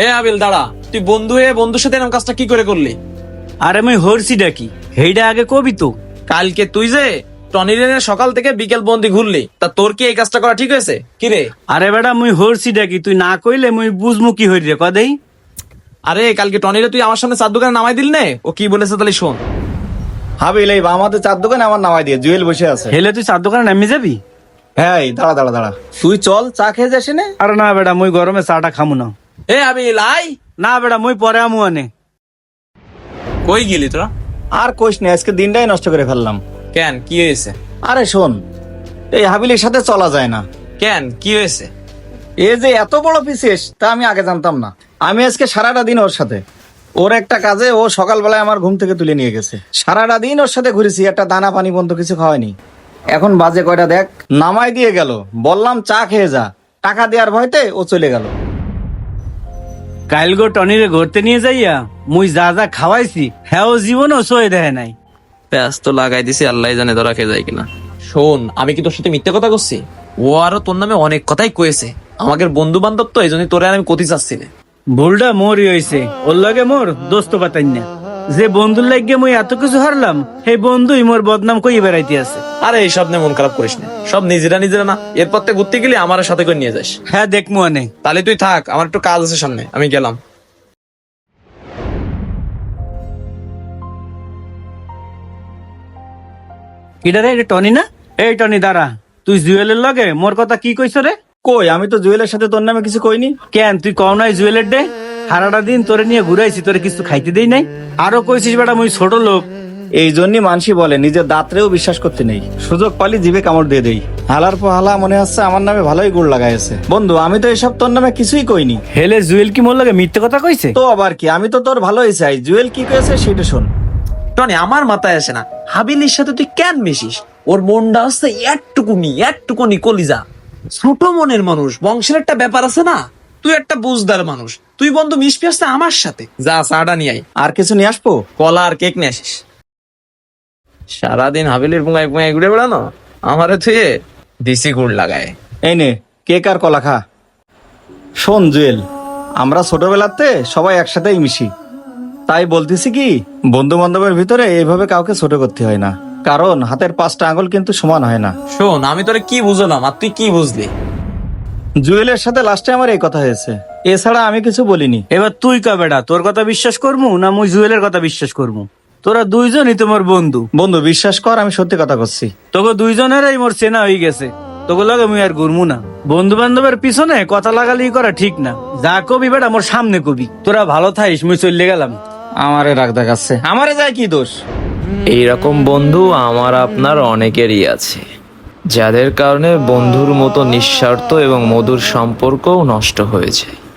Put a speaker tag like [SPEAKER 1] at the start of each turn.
[SPEAKER 1] এ আবিল দাঁড়া, তুই বন্ধু হয়ে বন্ধুর সাথে এরকম কাজটা কি করে করলি?
[SPEAKER 2] আরে মুই হরছিটা কি হেইডা আগে কবি তো।
[SPEAKER 1] কালকে তুই যে টনিরে সকাল থেকে বিকেল বন্দি ঘুরলি, তা তোর কি এই কাজটা করা ঠিক হয়েছে? কি রে?
[SPEAKER 2] আরে বেটা মুই হরছিটা কি তুই না কইলে মুই বুঝমু কি হই রে কদেই।
[SPEAKER 1] আরে কালকে টনিরে তুই আমার সামনে চার দোকানে নামাই দিল নে, ও কি বলেছে তাহলে শোন।
[SPEAKER 3] হাবিল, এই আমাদের চার দোকানে আমার নামাই দিয়ে জুয়েল বসে আছে।
[SPEAKER 2] হেলে তুই চার দোকানে নামি যাবি?
[SPEAKER 3] হ্যাঁ, এই দাঁড়া দাঁড়া দাঁড়া, তুই চল চা খেয়ে যাস নে।
[SPEAKER 2] আরে না বেটা মুই গরমে চাটা খামু না।
[SPEAKER 1] এ আবিল আই।
[SPEAKER 2] না বেটা মুই পরে আমু আনে।
[SPEAKER 1] কই গেলি তোরা?
[SPEAKER 3] আর কোষ নেই, আজকে দিনটাই নষ্ট করে ফেললাম।
[SPEAKER 1] কেন কি হয়েছে?
[SPEAKER 3] আরে শোন, এই হাবিলের সাথে চলা যায় না।
[SPEAKER 1] কেন কি হয়েছে?
[SPEAKER 3] এ যে এত বড় পিসেস তা আমি আগে জানতাম না। আমি আজকে সারাটা দিন ওর সাথে, ওর একটা কাজে ও সকালবেলায় আমার ঘুম থেকে তুলে নিয়ে গেছে। সারাটা দিন ওর সাথে ঘুরেছি, একটা দানা পানি পর্যন্ত কিছু খাওয়ায়নি। এখন বাজে কয়টা দেখ, নামাই দিয়ে গেল, বললাম চা খেয়ে যা, টাকা দেওয়ার ভয়তে ও চলে গেল।
[SPEAKER 2] কাইল গো টনিরে ঘুরতে নিয়ে যাইয়া মুই যা যা খাওয়াইছি হ্যাঁ ও জীবনও সয়ে দেয় নাই।
[SPEAKER 1] প্যাস তো লাগাই দিছি, আল্লাহ জানে ধরা খেয়ে যায় কিনা। শোন, আমি কি তোর সাথে মিথ্যে কথা করছি? ও আরো তোর নামে অনেক কথাই কয়েছে। আমাদের বন্ধু বান্ধব তো, এই জন্য তোরে আর আমি কতি চাচ্ছি না।
[SPEAKER 2] ভুলটা মোরই হইছে, ওর লগে মোর দোস্ত পাতাই না। যে বন্ধুর লাগিয়ে মুই এত কিছু হারলাম, সেই বন্ধুই মোর বদনাম কই বেড়াইতে আছে।
[SPEAKER 1] আরে এইসব নিয়ে মন খারাপ করিস না, সব নিজেরা নিজেরা না। এরপর থেকে ঘুরতে গেলে আমার সাথে করে নিয়ে যাস।
[SPEAKER 2] হ্যাঁ দেখমু আনে।
[SPEAKER 1] তাহলে তুই থাক, আমার একটু কাজ আছে সামনে, আমি গেলাম।
[SPEAKER 2] কিডা রে, এটা টনি না? এই টনি দাঁড়া, তুই জুয়েলের লগে মোর কথা কি কইছ রে?
[SPEAKER 3] কই, আমি তো জুয়েলের সাথে তোর নামে কিছু কইনি।
[SPEAKER 2] কেন তুই কও নাই জুয়েলের ডে? সারাটা দিন তোরে নিয়ে ঘুরাইছি, তোরে কিছু খাইতে দেই নাই। আরো কইছিস বেটা মুই ছোট লোক।
[SPEAKER 3] এই জন্যই মানসি বলে নিজের দাঁতরেও বিশ্বাস করতে নেই, সুযোগ পালি জিভে কামড় দিয়ে দেই। হালার পর হালা মনে হচ্ছে আমার নামে ভালোই গুড় লাগাইছে। বন্ধু, আমি তো এসব তোর নামে কিছুই কইনি।
[SPEAKER 2] হেলে জুয়েল কি মোর লগে মিথ্যে কথা কইছে?
[SPEAKER 3] তো আবার কি, আমি তো তোর ভালোই চাই। জুয়েল কি কয়েছে সেটা শোন।
[SPEAKER 1] টনি, আমার মাথায় আসে না, হাবিলির সাথে তুই কেন মিশিস? ওর মনটা হচ্ছে একটুকুনি কলিজা। ছোট মনের মানুষ, বংশের একটা ব্যাপার আছে না। তুই একটা বুঝদার মানুষ, তুই বন্ধু মিশবি আসতে আমার সাথে। যা চাটা নিয়ে আই,
[SPEAKER 3] আর কিছু নিয়ে আসবো?
[SPEAKER 1] কলা আর কেক নিয়ে আসিস। সারাদিন হাবিলির পুঙ্গায় পুঙ্গায় ঘুরে বেড়ানো, আমারে থুয়ে দিসি গুড় লাগায়।
[SPEAKER 3] এই নে কেক আর কলা খা। শোন জুয়েল, আমরা ছোটবেলাতে সবাই একসাথেই মিশি, তাই বলতেছি কি, বন্ধু বান্ধবের ভিতরে এইভাবে কাউকে ছোট করতে হয় না, কারণ হাতের 5টা আঙুল কিন্তু সমান হয় না।
[SPEAKER 1] শোন, আমি তোরে কি বুঝলাম আর তুই কি বুঝলি?
[SPEAKER 3] জুয়েলের সাথে লাস্টে আমার এই কথা হয়েছে, এছাড়া আমি কিছু বলিনি।
[SPEAKER 2] এবার তুই কা বেটা, তোর কথা বিশ্বাস করমু না মুই জুয়েলের কথা বিশ্বাস করমু? তোরা দুইজনই তোমার বন্ধু।
[SPEAKER 3] বন্ধু বিশ্বাস কর, আমি সত্যি কথা করছি।
[SPEAKER 2] তোকে দুইজনেরই মোর চেনা হয়ে গেছে, তোকে লগে মুই আর ঘুরমু না। বন্ধু বান্ধবের পিছনে কথা লাগালি করা ঠিক না। যা কবি বেটা মোর সামনে কবি। তোরা ভালো থাইস, মুই চলে গেলাম।
[SPEAKER 3] আমারে রাগ দেখাচ্ছে, আমারে যায় কি দোষ?
[SPEAKER 4] এইরকম বন্ধু আমার আপনার অনেকেরই আছে, যাদের কারণে বন্ধুর মতো নিঃস্বার্থ এবং মধুর সম্পর্কও নষ্ট হয়ে যায়।